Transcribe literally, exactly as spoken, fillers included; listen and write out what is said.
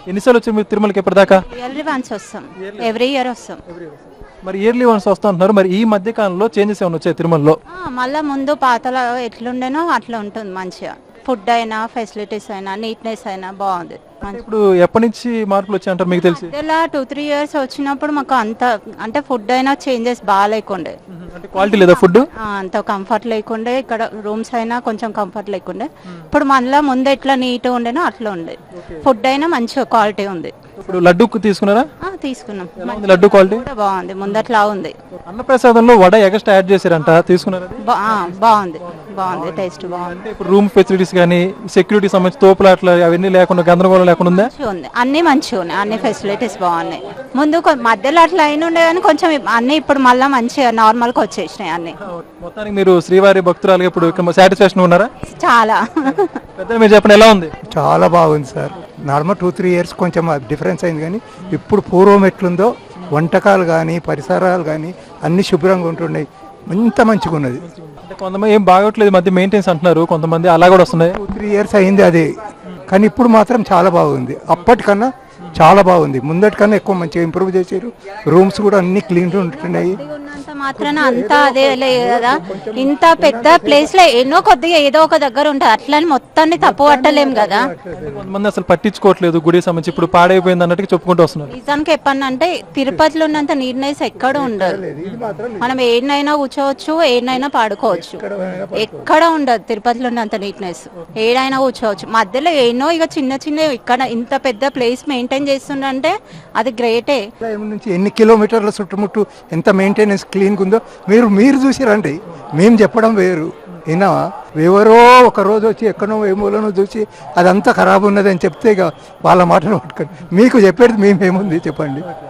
ఎన్నిసార్లు వచ్చారు మీరు తిరుమలకి ఎప్పటిదాకా? ఇయర్లీ వన్స్ వస్తాం, ఎవ్రీ ఇయర్ వస్తాం. మరి ఇయర్లీ వన్స్ వస్తా అంటున్నారు, మరి ఈ మధ్య కాలంలో చేంజెస్ ఏమైనా వచ్చాయి తిరుమలలో? ఆ, మళ్ళా ముందు పాతలో ఎట్లుండేనో అట్లా ఉంటుంది మంచిగా. ఫుడ్ అయినా ఫెసిలిటీస్ అయినా నీట్నెస్ అయినా బాగుంది. అంటే ఇప్పుడు ఎప్పటి నుంచి మార్పులు వచ్చాయంటారు మీకు తెలిసి? ఇలా టూ త్రీ ఇయర్స్ వచ్చినప్పుడు మాకు అంత అంటే ఫుడ్ అయినా చేంజెస్ బాగా లేకుండే, అంటే క్వాలిటీ లేదా ఫుడ్? ఆ, అంత కంఫర్ట్ లేకుండే. ఇక్కడ రూమ్స్ అయినా కొంచెం కంఫర్ట్ లేకుండే. ఇప్పుడు మళ్ళీ ముందు ఎట్లా నీట్గా ఉండేనో అట్లా ఉండే. ఫుడ్ అయినా మంచిగా క్వాలిటీ ఉంది. ఇప్పుడు లడ్డు తీసుకున్నారా? ఆ, తీసుకున్నాం. ఎలా ఉంది లడ్డు క్వాలిటీ? కూడా బాగుంది, ముందట్లా ఉంది. అన్నప్రసాదంలో వడ ఎక్స్ట్రా యాడ్ చేశారంట, తీసుకున్నారా? బా- ఆ, బాగుంది, బాగుంది, టేస్ట్ బాగుంది. అంటే ఇప్పుడు రూమ్ ఫెసిలిటీస్ కానీ సెక్యూరిటీ సంబంధించి తోపులాట్లు అవన్నీ లేకుండా గందరగోళం లేకుండా ఉందా? మంచిగా ఉంది, అన్ని మంచిగా ఉన్నాయి, అన్ని ఫెసిలిటీస్ బాగున్నాయి. ముందు కొ- మధ్యలో అట్లా అయిన ఉండే కానీ కొంచెం ఇప్- అన్ని ఇప్పుడు మళ్ళీ మంచిగా నార్మల్ గా వచ్చేసినాయి అన్ని. మొత్తానికి మీరు శ్రీవారి భక్తురాలుగా ఇప్పుడు సాటిస్ఫాక్షన్ ఉన్నారా? చాలా పెద్ద మీరు చెప్పండి ఎలా ఉంది? చాలా బాగుంది sir. Normal two three years కొంచెం డిఫరెన్స్ అయింది, కానీ ఇప్పుడు పూర్వం ఎట్లుందో వంటకాలు కానీ పరిసరాలు కానీ అన్ని శుభ్రంగా ఉంటున్నాయి. ఇంత మంచిగా ఉన్నది. అంటే కొంతమంది ఏం బాగోట్లేదు మధ్య మెయింటెన్స్ అంటున్నారు, కొంతమంది అలా కూడా వస్తున్నాయి. టూ త్రీ ఇయర్స్ అయింది అది, కానీ ఇప్పుడు మాత్రం చాలా బాగుంది. అప్పటికన్నా చాలా బాగుంది, ముందటికన్నా ఎక్కువ మంచిగా ఇంప్రూవ్ చేశారు. రూమ్స్ కూడా అన్ని క్లీన్ ఉంటున్నాయి. ఉన్నంత మాత్రాన అంతా అదే లేదు కదా. ఇంత పెద్ద ప్లేస్ లో ఎన్నో కొద్దిగా ఏదో ఒక దగ్గర ఉంటుంది, అట్లని మొత్తాన్ని తప్పు పట్టలేం కదా. కొంతమంది అసలు పట్టించుకోవట్లేదు గుడి సంబంధించి, ఇప్పుడు పాడైపోయింది అన్నట్టు చెప్పుకుంటూ వస్తున్నారు. నిజానికి చెప్పానంటే తిరుపతిలో ఉన్నంత నీట్నెస్ ఎక్కడ ఉండదు. మనం ఏడనైనా కూర్చోవచ్చు, ఏడనైనా పాడుకోవచ్చు, ఎక్కడ ఉండదు తిరుపతిలో ఉన్నంత నీట్నెస్. ఏడైనా కూర్చోవచ్చు, మధ్యలో ఎన్నో ఇక చిన్న చిన్న ఇక్కడ ఇంత పెద్ద ప్లేస్ మెయింటైన్ చేస్తుండే అది గ్రేటే. నుంచి ఎన్ని కిలోమీటర్ల చుట్టుముట్టు ఎంత మెయింటెనెన్స్ క్లీన్గా ఉందో మీరు మీరు చూసిరండి. మేము చెప్పడం వేరు, అయినా ఎవరో ఒక రోజు వచ్చి ఎక్కడో ఏమోలోనో చూసి అదంతా ఖరాబ్ ఉన్నదని చెప్తే ఇక వాళ్ళ మాటలు పట్టుకొని మీకు చెప్పేది మేమేముంది చెప్పండి.